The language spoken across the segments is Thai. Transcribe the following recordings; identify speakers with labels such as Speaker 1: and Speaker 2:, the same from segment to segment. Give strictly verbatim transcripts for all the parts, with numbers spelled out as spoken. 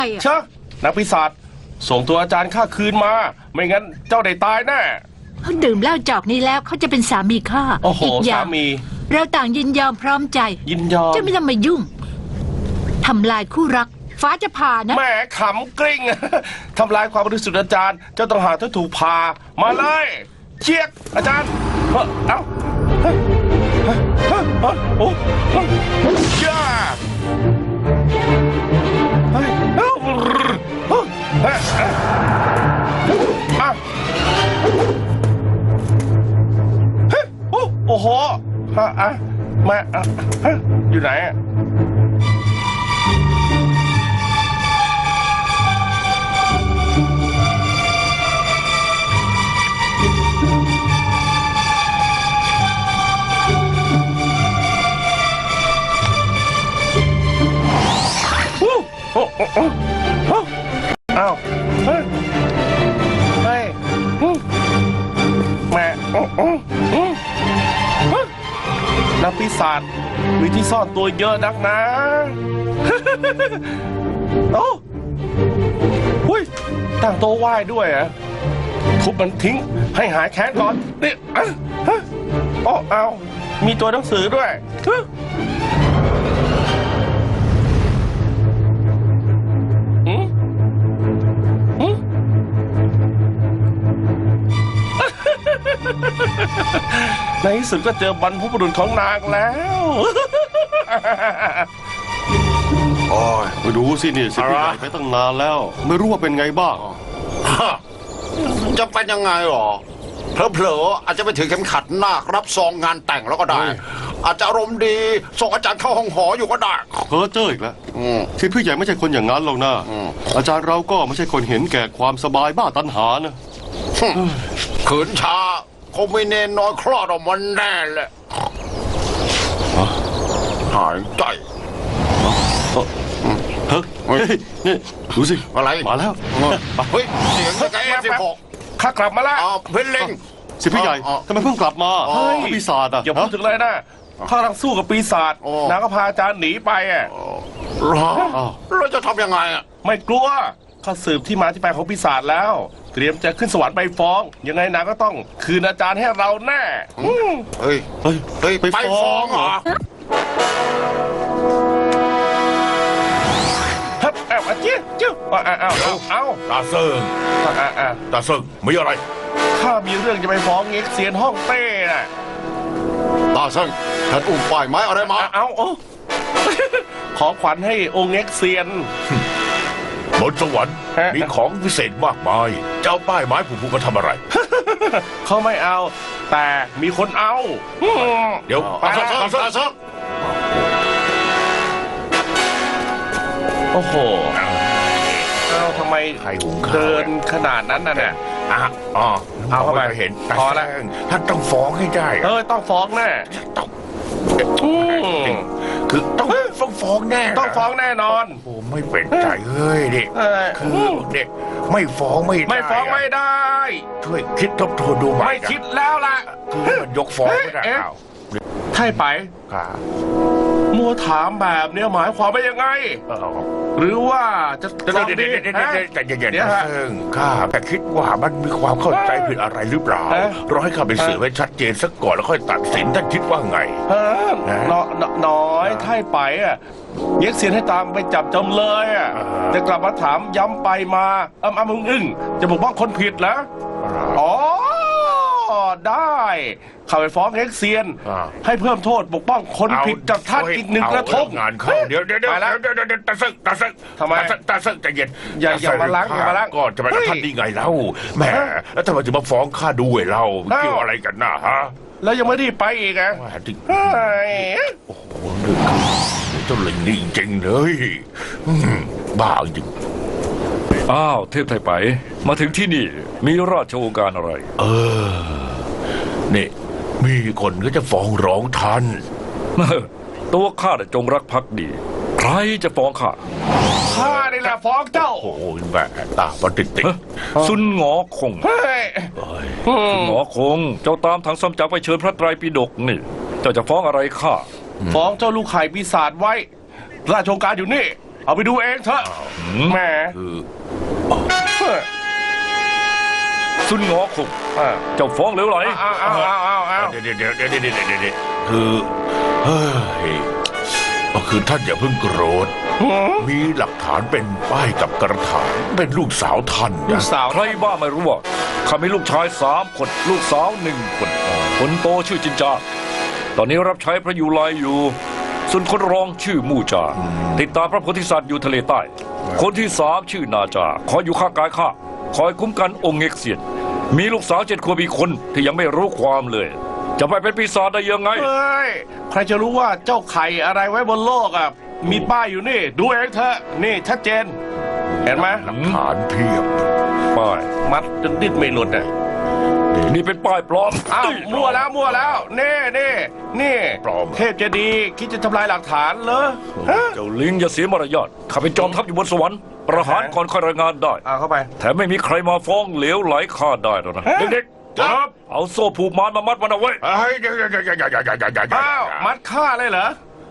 Speaker 1: เชอะนักปีศาจส่งตัวอาจารย์ข้าคืนมาไม่งั้นเจ้าได้ตายแน่
Speaker 2: เขาดื่มเหล้าจอกนี้แล้วเขาจะเป็นสามีข้า
Speaker 1: โอ้โหสามี
Speaker 2: เราต่างยินยอมพร้อมใจ
Speaker 1: ยินยอม
Speaker 2: จะไม่ต้องมายุ่งทำลายคู่รักฟ้าจะผ่านะ
Speaker 1: แม่ขำกริ้งทำลายความบริสุทธิ์อาจารย์เจ้าต้องหาถ้าถูกพามาเลยเชียกอาจารย์เอ้าเอ้าโอ้ย่าเฮ้ยเอ้าเฮ้ยโอ้โหฮะอ่ะแม่อยู่ไหนอ่ะโอ้โอ้โอ้โอ้อ้าวเฮ้ยเฮ้ยแม่โอ้โอ้นักปีศาจมีที่ซ่อนตัวเยอะนักนะโอ้หุ้ยตั้งโต๊ะไหว้ด้วยอ่ะทุบมันทิ้งให้หายแค้นก่อนนี่อ่ะฮะโอ้เอามีตัวหนังสือด้วยในที่สุดก็เจอบรรพบุรุษของนางแล้ว
Speaker 3: โอ้ยไปดูสินี่สิพี่ใหญ่ไปตั้งนานแล้วไม่รู้ว่าเป็นไงบ้าง
Speaker 4: จะเป็นยังไงหรอเผลอๆอาจจะไปถือเข็มขัดนาครับซองงานแต่งแล้วก็ได้อาจจะอารมณ์ดีส่งอาจารย์เข้าห้องหออยู่ก็ได้
Speaker 3: เพ้อเจ้ออีกแล้วที่พี่ใหญ่ไม่ใช่คนอย่างนั้นหรอกนะอาจารย์เราก็ไม่ใช่คนเห็นแก่ความสบายบ้าตัณหานะ
Speaker 4: ขืนช้าคงไม่เนนน้อยคลอดออกมาแน่แหละหายใจ
Speaker 3: เฮ้ยนี่ดูสิ
Speaker 4: อะไร
Speaker 3: มาแล้ว
Speaker 4: เฮ้ยเสียงแกสิบหก
Speaker 1: ข้ากลับมาแล้ว
Speaker 4: เพลง
Speaker 3: สิพี่ใหญ่ทำไมเพิ่งกลับมาปีศาจอ่ะ
Speaker 1: อย่าพูดถึงเลยนะข้ากำลังสู้กับปีศาจนางก็พาอาจารย์หนีไปอ่ะ
Speaker 4: เราจะทำยังไงอ่ะ
Speaker 1: ไม่กลัวข้าสืบที่มาที่ไปของปีศาจแล้วเตรียมจะขึ้นสวรรค์ไปฟ้องยังไงนางก็ต้องคืนอาจารย์ให้เราแน่
Speaker 4: เฮ้ยเฮ้ยเฮ้ยไปฟ้องเหรอ
Speaker 1: ฮับเอาอาจิ้วจิ้วเอาเอาเอาเอา
Speaker 4: ตาเซิงตาเซิงมีอะไร
Speaker 1: ข้ามีเรื่องจะไปฟ้องเง็กเซียนห้องเต้น่ะ
Speaker 4: ตาเซิงท่านอุ้มป้ายไม้อะไรมา
Speaker 1: เอาเอาขอขวัญให้องค์เง็กเซียน
Speaker 4: บนสวรรค์มีของพิเศษมากมายเจ้าป้ายไม้ผูกๆมาทำอะไร
Speaker 1: เขาไม่เอาแต่มีคนเอา
Speaker 4: เดี๋ยวตาเซิงตาเซิงตาเซิง
Speaker 1: โอ้โหเอาทำไมเดินขนาดนั้นน่ะเนี่ย
Speaker 4: อ่ะอ๋อเอาเข้าไปเห็นพอแล้วท่านต้องฟ้องให้ได้
Speaker 1: เออต้องฟ้องแน่
Speaker 4: ต้องคือต้องต้องฟ้องแน่
Speaker 1: ต้องฟ้องแน่นอน
Speaker 4: โอ้ไม่เป็นใจเฮ้ยเด็กคือเด็กไม่ฟ้องไม่
Speaker 1: ไม่ฟ้องไม่ได้
Speaker 4: ช่วยคิดทบทวนดูไหม
Speaker 1: ไม่คิดแล้วล่ะ
Speaker 4: คือมันยกฟ้องไม่ได้เอา
Speaker 1: ไถ่ไปมัวถามแบบเนี้ยหมายความว่ายังไงหรือว่าจะ
Speaker 4: จะดีใจเย็นๆนะซึ่งข้าแต่คิดว่ามันมีความเข้าใจผิดอะไรหรือเปล่าเราให้ข้าไปสืบให้ชัดเจนสักก่อนแล้วค่อยตัดสินท่านคิดว่าไง
Speaker 1: น้อยไถ่ไปอ่ะเย็กเสียนให้ตามไปจับจำเลยอ่ะจะกลับมาถามย้ำไปมาอ้ำอ้ำอึ้งจะบอกว่าคนผิดแล้วอ๋อได้เข้าไปฟ้องเอ็กเซียนให้เพิ่มโทษปกป้องคนผิดจากท่านอีกหนึ่งกระทบ
Speaker 4: งานเข้าเดี๋ยวเดี๋ยวเดี๋ยวเดี๋ยวเดี๋ยวตาซึกตาซึก
Speaker 1: ทำไม
Speaker 4: ตาซึกใจเย็น
Speaker 1: อย่าอย่ามาล้างอย่ามาล้าง
Speaker 4: ก่อนจะไปกับท่านดีไงเล่าแหมแล้วทำไมถึงมาฟ้องข้าด้วยเล่าเกี่ยวอะไรกันนะฮะ
Speaker 1: แล้วยังไม่ได้ไปอีกอ่ะ
Speaker 4: โอ้โหเรื่องเจ้าลิงนี่จริงเลยบ้าจริง
Speaker 5: อ้าวเทพไทยไปมาถึงที่นี่มีราชโองการอะไร
Speaker 4: เออนี่มีคนก็จะฟ้องร้องท่าน
Speaker 5: ตัวข้าจงรักภักดีใครจะฟ้องข้า
Speaker 1: ข้านี่แหละฟ้องเจ้า
Speaker 4: โอ้ยแม่ตาปฏิติ
Speaker 5: ซุนหงอคงซุนหงอคงเจ้าตามทางซ้ำจักไปเชิญพระไตรปิฎกนี่เจ้าจะฟ้องอะไรข้า
Speaker 1: ฟ้องเจ้าลูกไข่ปีศาจไว้ราชโองการอยู่นี่เอาไปดูเองเถอะแหม
Speaker 4: คือ
Speaker 5: ซุนหงอคง
Speaker 1: อ่า
Speaker 5: เจ้าฟ้องเหลวไหล
Speaker 1: อ้าวอ้าวอ้าวอ้าวอ้าว
Speaker 4: เดี๋ยวเดี๋ยวเดี๋ยวเดี๋ยวเดี๋ยวเดี๋ยวเดี๋ยวคือเฮ้ยก็คือท่านอย่าเพิ่งโกรธมีหลักฐานเป็นป้ายกับกระถางเป็นลูกสาวท่าน
Speaker 1: ลู
Speaker 4: นะ
Speaker 1: กสาว
Speaker 5: ใครบ้าไม่รู้ว่าข้ามีลูกชายสามคนลูกสาวหนึ่งคนคนโตชื่อจินจาตอนนี้รับใช้พระยูไลอยู่ ส่วนคนรองชื่อมู่จา ติดตามพระโพธิสัตว์อยู่ทะเลใต้ คนที่สามชื่อนาจาคอยอยู่ข้างกายข้าคอยคุ้มกันองค์เง็กเซียน มีลูกสาวเจ็ดขวบอีกคนที่ยังไม่รู้ความเลย จะไปเป็นปีศาจได้ยังไง
Speaker 1: เฮ้ยใครจะรู้ว่าเจ้าไข่อะไรไว้บนโลกอ่ะมีป้ายอยู่นี่ ดูเองเถอะนี่ชัดเจน เห็นไหม
Speaker 4: หลักฐานเพียบ
Speaker 5: ป้าย
Speaker 1: มัดจนดิ้นไม่หลุดอ่ะ
Speaker 5: นี่เป็นป้ายปลอม
Speaker 1: อ้าวมั่วแล้วมั่วแล้วนี่นี่นี่
Speaker 4: ปลอม
Speaker 1: เทพเจดีย์คิดจะทำลายหลักฐานเหรอฮะ
Speaker 5: เจ้าลิงอย่าเสียมารยาทข้าเป็นจอมทัพอยู่บนสวรรค์ประหารก่อนค่อยรายงานได้
Speaker 1: เอาเข้าไป
Speaker 5: แถมไม่มีใครมาฟ้องเหลวไหลข้าได้หรอกนะ
Speaker 1: ฮะ
Speaker 5: เด็กๆครับเอาโซ่ผูกมารมามัดมันเอาไว้
Speaker 4: เฮ้ยเดี๋ยวเดี๋ยวเดี๋ยวเดี๋ยวเดี๋ยวเดี๋ยวเดี๋ยวเดี๋ยว
Speaker 1: อ้าวมัดฆ่าเลยเหรอ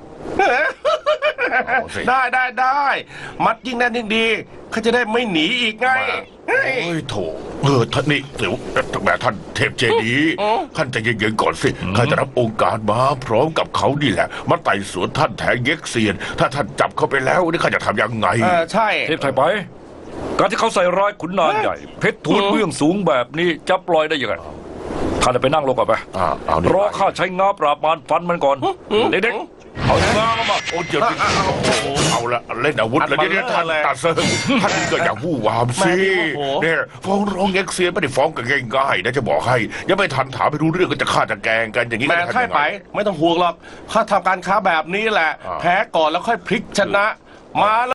Speaker 4: เอาสิ
Speaker 1: ได้ได้ได้มัดยิ่งแน่นยิ่งดีเขาจะได้ไม่หนีอีกไงเฮ้ย
Speaker 4: เฮ้ยโถเออท่านนี่เดี๋ยวแม่ท่านเทพเจดีย์
Speaker 1: อ๋อ
Speaker 4: ท่านใจเย็นๆก่อนสิข้าจะรับองค์การมาพร้อมกับเขานี่แหละ มาไต่สวนท่านแทงเย็กเซียน ถ้าท่านจับเขาไปแล้วนี่ข้าจะทำยังไง
Speaker 1: เออใช่
Speaker 5: เทพไทยไป การที่เขาใส่ร้ายขุนนางใหญ่ เพชรทูลเบื้องสูงแบบนี้จะปล่อยได้ยังไงข้าจะไปนั่งลงก่อนไป
Speaker 4: อ่าเอานี่
Speaker 5: รอข้าใช้งาปราบมารฟันมันก่อน เด็กๆเอางามา
Speaker 4: โอ้เดี๋ยวนี้โอ้โหเอาละเล่นอาวุธแล้วเนี่ยท่านตาเซิงท่านก็อย่าวู่วามสิเนี่ยฟ้องร้องเย็กเซียนไม่ได้ฟ้องกันง่ายๆนะจะบอกให้ยังไม่ทันถามไม่รู้เรื่องก็จะฆ่าจะแกล้งกันอย่างนี้
Speaker 1: แม่
Speaker 4: จะทำ
Speaker 1: ไข่
Speaker 4: ยัง
Speaker 1: ไป
Speaker 4: ไง
Speaker 1: ไม่ต้องห่วงหรอกข้าทำการค้าแบบนี้แหละ
Speaker 4: อ่า
Speaker 1: แพ้ก่อนแล้วค่อยพลิกชนะ มา